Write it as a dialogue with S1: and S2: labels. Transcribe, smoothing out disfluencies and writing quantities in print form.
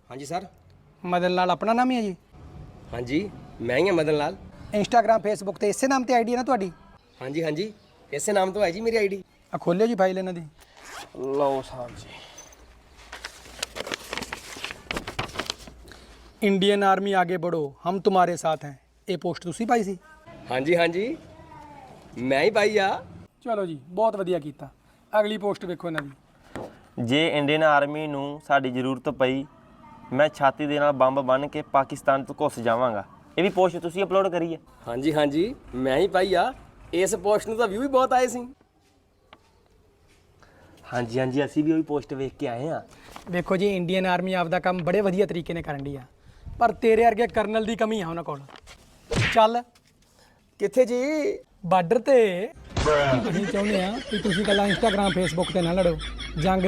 S1: ਹਾਂਜੀ ਸਰ।
S2: ਮਦਨ ਲਾਲ ਆਪਣਾ ਨਾਮ ਹੀ ਹੈ ਜੀ?
S1: ਹਾਂਜੀ ਮੈਂ ਹੀ ਹਾਂ ਮਦਨ ਲਾਲ।
S2: ਇੰਸਟਾਗ੍ਰਾਮ ਫੇਸਬੁੱਕ ਤੇ ਇਸੇ ਨਾਮ ਤੇ ਆਈਡੀ ਹੈ ਨਾ ਤੁਹਾਡੀ?
S1: ਹਾਂਜੀ ਹਾਂਜੀ ਇਸੇ ਨਾਮ ਤੋਂ ਹੈ ਜੀ ਮੇਰੀ ਆਈਡੀ।
S2: ਆ ਖੋਲਿਓ ਜੀ ਫਾਈਲ ਇਹਨਾਂ ਦੀ।
S1: ਲਓ ਸਾਹਿਬ ਜੀ।
S2: ਇੰਡੀਅਨ ਆਰਮੀ ਆਗੇ ਬੜੋ ਹਮ ਤੁਮਾਰੇ ਸਾਥ ਹੈ, ਇਹ ਪੋਸਟ ਤੁਸੀਂ ਪਾਈ ਸੀ?
S1: ਹਾਂਜੀ ਹਾਂਜੀ ਮੈਂ ਹੀ ਪਾਈ ਆ।
S2: ਚਲੋ ਜੀ ਬਹੁਤ ਵਧੀਆ ਕੀਤਾ। ਅਗਲੀ ਪੋਸਟ ਵੇਖੋ ਇਹਨਾਂ ਦੀ।
S3: ਜੇ ਇੰਡੀਅਨ ਆਰਮੀ ਨੂੰ ਸਾਡੀ ਜ਼ਰੂਰਤ ਪਈ, ਮੈਂ ਛਾਤੀ ਦੇ ਨਾਲ ਬੰਬ ਬੰਨ੍ਹ ਕੇ ਪਾਕਿਸਤਾਨ ਤੋਂ ਘੁੱਸ ਜਾਵਾਂਗਾ। ਇਹ ਵੀ ਪੋਸਟ ਤੁਸੀਂ ਅਪਲੋਡ ਕਰੀ ਹੈ?
S1: ਹਾਂਜੀ ਹਾਂਜੀ ਮੈਂ ਹੀ ਪਾਈ ਆ। ਇਸ ਪੋਸਟ ਨੂੰ ਤਾਂ ਵਿਊ ਵੀ ਬਹੁਤ ਆਏ ਸੀ।
S3: ਹਾਂਜੀ ਹਾਂਜੀ ਅਸੀਂ ਵੀ ਉਹੀ ਪੋਸਟ ਵੇਖ ਕੇ ਆਏ ਹਾਂ।
S2: ਵੇਖੋ ਜੀ ਇੰਡੀਅਨ ਆਰਮੀ ਆਪਦਾ ਕੰਮ ਬੜੇ ਵਧੀਆ ਤਰੀਕੇ ਨਾਲ ਕਰਨ ਦੀ ਆ, ਪਰ ਤੇਰੇ ਵਰਗੇ ਕਰਨਲ ਦੀ ਕਮੀ ਆ ਉਹਨਾਂ ਕੋਲ। ਚੱਲ
S1: ਕਿੱਥੇ ਜੀ?
S2: ਬਾਰਡਰ ਤੇ। ਅਸੀਂ ਚਾਹੁੰਦੇ ਆ ਕਿ ਤੁਸੀਂ ਕੱਲਾ ਇੰਸਟਾਗ੍ਰਾਮ ਫੇਸਬੁੱਕ ਤੇ ਨਾ ਲੜੋ, ਜੰਗ